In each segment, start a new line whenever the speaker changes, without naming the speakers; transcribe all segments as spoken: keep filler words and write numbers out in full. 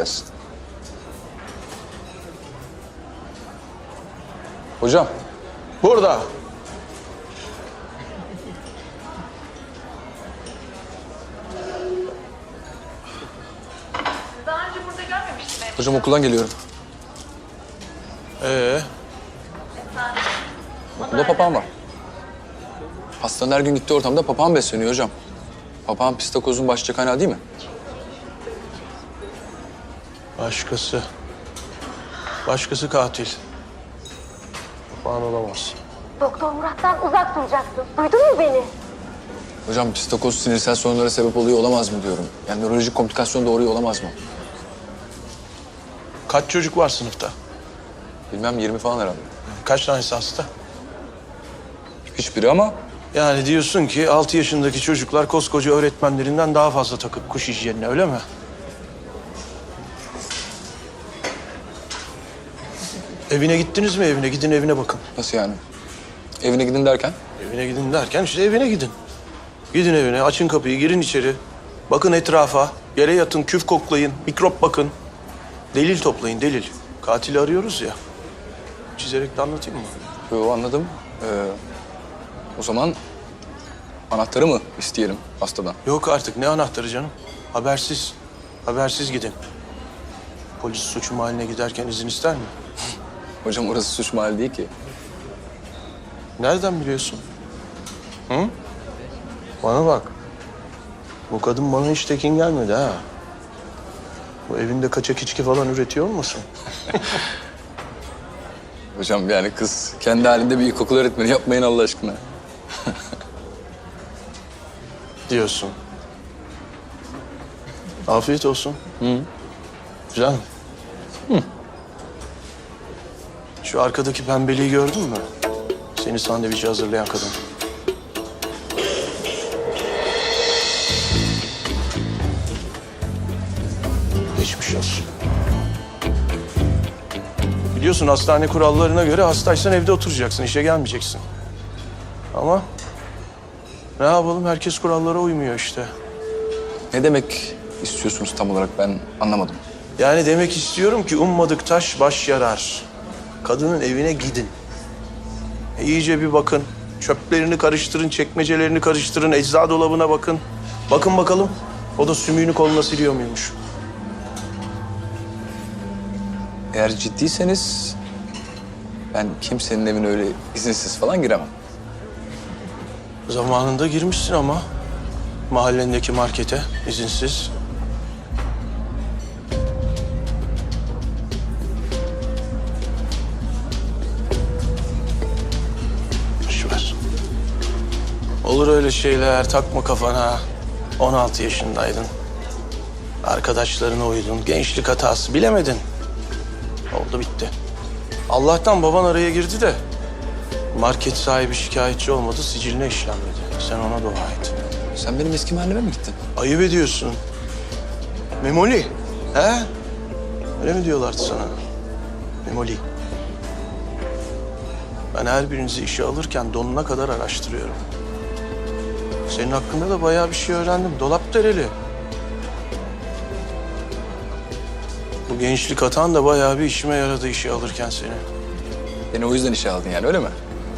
gelsin. Hocam.
Burada.
Daha önce burada görmemiştim ben.
Hocam okuldan geliyorum.
Ee,
Okulda papağan var. Hastanın her gün gittiği ortamda papağan besleniyor hocam. Papağan pistakozun başlıca kaynağı değil mi?
başkası. Başkası katil. Falan olamaz.
Doktor Murat'tan uzak duracaksın. Duydun mu beni?
Hocam pistakoz sinirsel sorunlara sebep oluyor olamaz mı diyorum. Yani nörolojik komplikasyon doğuruyor olamaz mı?
Kaç çocuk var sınıfta?
Bilmem yirmi falan herhalde.
Kaç tanesi hasta?
Hiçbiri ama
Yani diyorsun ki altı yaşındaki çocuklar koskoca öğretmenlerinden daha fazla takıp kuş hijyenine, öyle mi? Evine gittiniz mi evine? Gidin evine bakın.
nasıl yani? Evine gidin derken?
Evine gidin derken işte evine gidin. Gidin evine, açın kapıyı, girin içeri. Bakın etrafa, yere yatın, küf koklayın, mikrop bakın. Delil toplayın, delil. Katili arıyoruz ya. Çizerek de anlatayım mı?
Yo, anladım. Ee, o zaman anahtarı mı isteyelim hastadan?
Yok artık, ne anahtarı canım? Habersiz, habersiz gidin. Polis suç mahalline giderken izin ister mi?
Hocam orası suç mahalli değil ki.
Nereden biliyorsun? Hı? Bana bak. Bu kadın bana hiç tekin gelmedi ha. Bu evinde kaçak içki falan üretiyor olmasın?
Hocam yani kız kendi halinde bir ilkokul öğretmeni, yapmayın Allah aşkına.
Diyorsun. Afiyet olsun.
Hı.
Güzel mi? Hı. Şu arkadaki pembeliği gördün mü? Seni sandviçe hazırlayan kadın. Geçmiş olsun. Biliyorsun hastane kurallarına göre hastaysan evde oturacaksın, işe gelmeyeceksin. Ama ne yapalım, herkes kurallara uymuyor işte.
Ne demek istiyorsunuz tam olarak, ben anlamadım.
Yani demek istiyorum ki ummadık taş baş yarar. Kadının evine gidin. E, iyice bir bakın. Çöplerini karıştırın, çekmecelerini karıştırın, ecza dolabına bakın. Bakın bakalım, o da sümüğünü koluna siliyor muymuş?
Eğer ciddiyseniz ben kimsenin evine öyle izinsiz falan giremem.
Zamanında girmişsin ama mahallendeki markete izinsiz. Boş ver. Olur öyle şeyler, takma kafana. on altı yaşındaydın. Arkadaşlarına uydun, gençlik hatası, bilemedin. Oldu bitti. Allah'tan baban araya girdi de market sahibi şikayetçi olmadı, siciline işlenmedi. Sen ona dua et.
Sen benim eski mahalleme mi gittin?
Ayıp ediyorsun. Memoli, he? Öyle mi diyorlardı sana? Memoli. Ben her birinizi işe alırken donuna kadar araştırıyorum. Senin hakkında da bayağı bir şey öğrendim. Dolap dereli. Bu gençlik hatan da bayağı bir işime yaradı işe alırken seni.
Beni o yüzden işe aldın yani, öyle mi?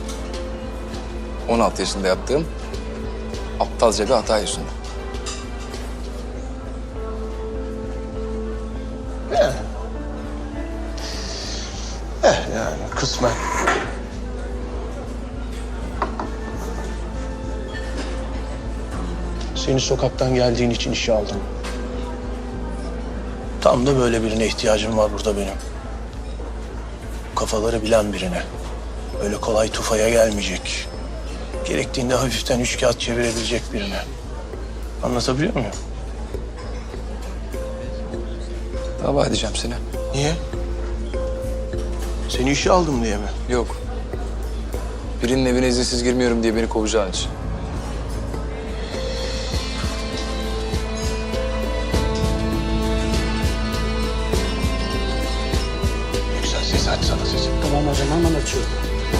on altı yaşında yaptığım aptalca bir hata yüzünden.
Eh. Eh yani kısmen. Seni sokaktan geldiğin için işe aldım. Tam da böyle birine ihtiyacım var burada benim. Kafaları bilen birine. Öyle kolay tufaya gelmeyecek. Gerektiğinde hafiften üç kağıt çevirebilecek birine. Anlatabiliyor muyum?
Dava edeceğim seni.
Niye? Seni işe aldım diye mi?
Yok. Birinin evine izinsiz girmiyorum diye beni kovacağın için.
Güzel ses aç sana sesi.
Tamam hocam, hemen açıyorum.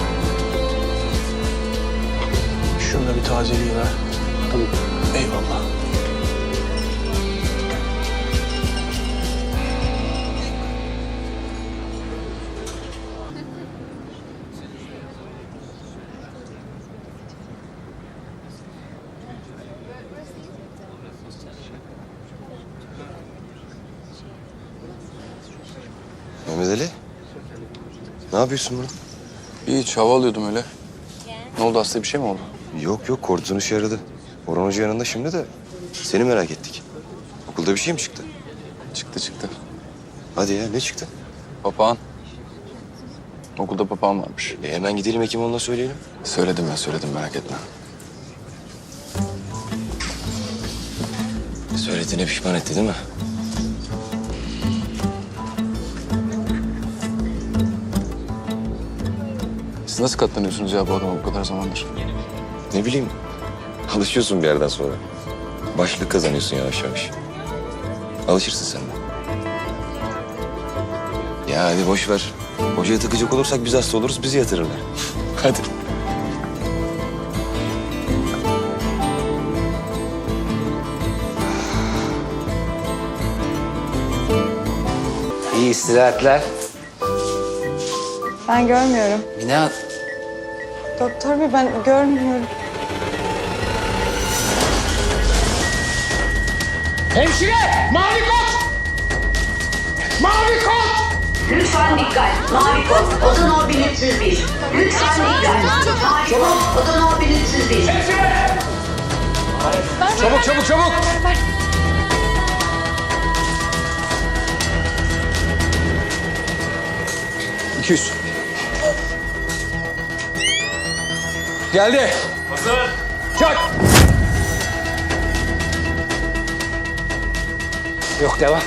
Şunu da bir tazeliği ver.
Tamam.
Eyvallah.
Mehmet Ali. Ne yapıyorsun burada?
Hiç hava alıyordum öyle. Ne oldu, hasta bir şey mi oldu?
Yok yok, kortizon işe yaradı. Orhan Hoca yanında şimdi de seni merak ettik. Okulda bir şey mi çıktı?
Çıktı çıktı.
Hadi ya, ne çıktı?
Papağan. Okulda papağan varmış.
E hemen gidelim Hekimoğlu'na söyleyelim.
Söyledim ben söyledim, merak etme.
Söylediğine pişman etti değil mi?
Siz nasıl katlanıyorsunuz ya bu adama bu kadar zamandır?
Ne bileyim, alışıyorsun bir yerden sonra. Başlık kazanıyorsun yavaş yavaş. Alışırsın sen de. Ya hadi boş ver. Hocaya takacak olursak biz hasta oluruz, bizi yatırırlar. Hadi.
İyi istirahatler.
Ben görmüyorum.
Mine,
Doktor bey ben görmüyorum.
Hemşire! Mavi kot! Mavi kot!
Lütfen dikkat. Mavi kod. Oda no bin üç yüz bir. Lütfen dikkat. Mavi kod. Oda no bin üç yüz bir.
Çabuk çabuk çabuk!
iki yüz. Geldi.
Hazır!
Çak.
yok devam.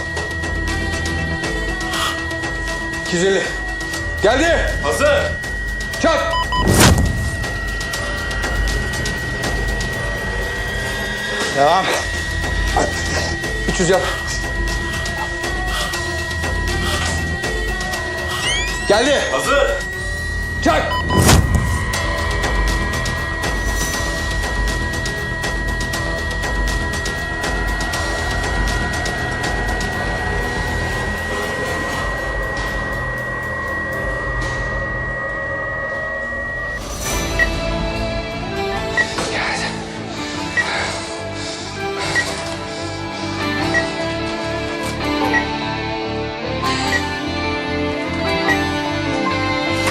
iki yüz elli. Geldi.
Hazır!
Çak.
Devam.
üç yüz yap. Geldi.
Hazır!
Çak.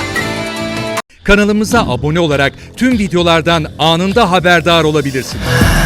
Kanalımıza abone olarak tüm videolardan anında haberdar olabilirsiniz.